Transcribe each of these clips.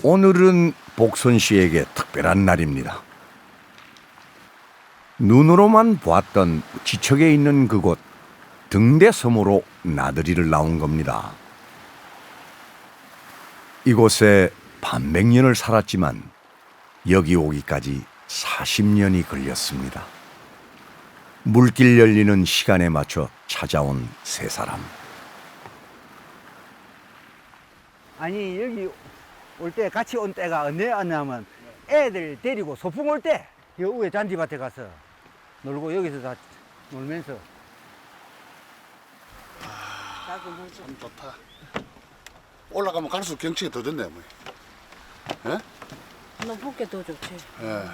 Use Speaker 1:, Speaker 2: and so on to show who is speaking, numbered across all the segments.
Speaker 1: 오늘은 복선 씨에게 특별한 날입니다. 눈으로만 보았던 지척에 있는 그곳 등대섬으로 나들이를 나온 겁니다. 이곳에 반백년을 살았지만 여기 오기까지 40년이 걸렸습니다. 물길 열리는 시간에 맞춰 찾아온 세 사람.
Speaker 2: 아니 여기 올 때 같이 온 때가 언제 왔냐면 애들 데리고 소풍 올 때 여 위에 잔디밭에 가서 놀고 여기서 다 놀면서
Speaker 3: 참 좋다. 올라가면 갈수록 경치가 더 좋네. 뭐. 예?
Speaker 4: 높게 더 좋지.
Speaker 3: 예.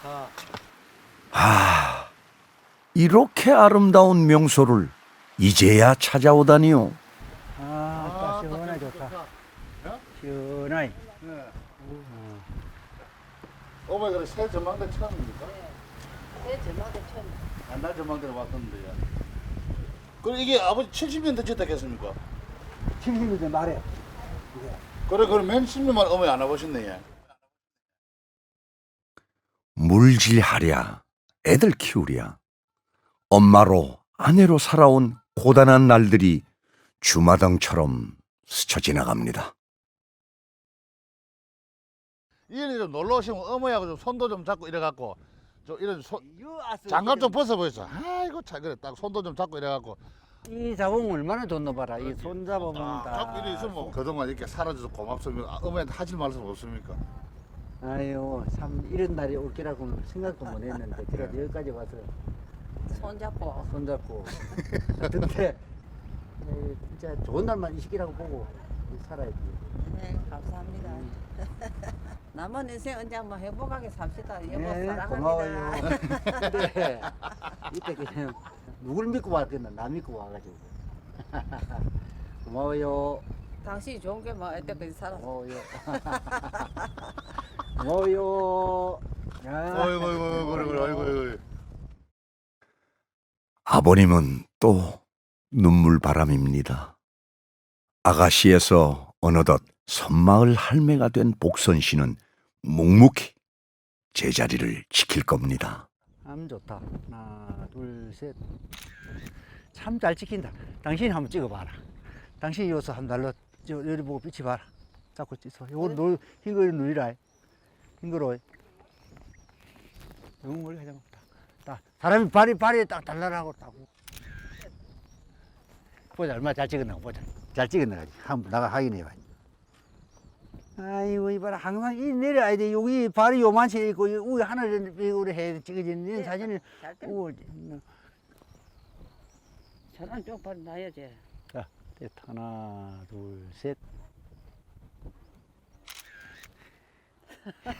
Speaker 1: 이렇게 아름다운 명소를 이제야 찾아오다니요.
Speaker 2: 아, 시원하게 좋다. 시원하게.
Speaker 3: 어머니 그래 새 전망대 처음입니까?
Speaker 4: 내 제막에 처음.
Speaker 3: 옛날 전망대로 왔던데요. 그럼 이게 아버지 70년 더 짓다 했습니까?
Speaker 2: 70년 말에.
Speaker 3: 그래 그럼 맨 10년만 어머니 안 와보셨네.
Speaker 1: 물질하랴, 애들 키우랴, 엄마로 아내로 살아온 고단한 날들이 주마등처럼 스쳐 지나갑니다.
Speaker 3: 이리 좀 놀러 오시면 어머니하고 좀 손도 좀 잡고 이래갖고 좀 이런 장갑 좀 벗어보였어. 아이고 참 그래 딱 손도 좀 잡고 이래갖고
Speaker 2: 이 자궁 얼마나 좋노 봐라. 이 손 잡아보면 다.
Speaker 3: 잡고 이래 있으면 뭐 그동안 이렇게 살아줘서 고맙습니다. 어머니한테 하실 말씀 없습니까?
Speaker 2: 아유, 참 이런 날이 올 거라고는 생각도 못 했는데 그래도 여기까지 와서
Speaker 4: 손잡고.
Speaker 2: 손잡고 근데 진짜 좋은 날만 이 시기라고 보고 살아야지.
Speaker 4: 네, 감사합니다. 남은 인생 언제 한번 행복하게 삽시다. 여보
Speaker 2: 네,
Speaker 4: 사랑합니다.
Speaker 2: 고마워요. 근데 이때 그냥 누굴 믿고 왔겠나? 나 믿고 와가지고. 고마워요.
Speaker 4: 당신이 좋은 게 뭐 이때까지 살았어.
Speaker 2: 고마워요. 고마워요. 야.
Speaker 3: 어이구 어이구 그래 어이구.
Speaker 1: 아버님은 또 눈물바람입니다. 아가씨에서 어느덧 섬마을 할매가 된 복선 씨는 묵묵히 제자리를 지킬 겁니다.
Speaker 2: 참 좋다. 하나, 둘, 셋. 참 잘 찍힌다. 당신이 한번 찍어봐라. 당신이 여기서 한 날로 여기 보고 빛이 봐라. 자꾸 찍어. 이거 흰거 누리라. 흰거로. 너무 멀리 가지 마. 딱. 사람이 발이 딱 달라라고 딱. 보자 얼마나 잘 찍었나 보자. 잘 찍었나 한번 나가 확인해봐. 아이고 이봐라 항상 이 내려야 돼. 여기 발이 요만치 있고 우리 하늘을 우리 해 찍어지는 이 사진을
Speaker 4: 잘 때. 저런 쪽발 놔야지.
Speaker 2: 자 됐다. 하나 둘 셋.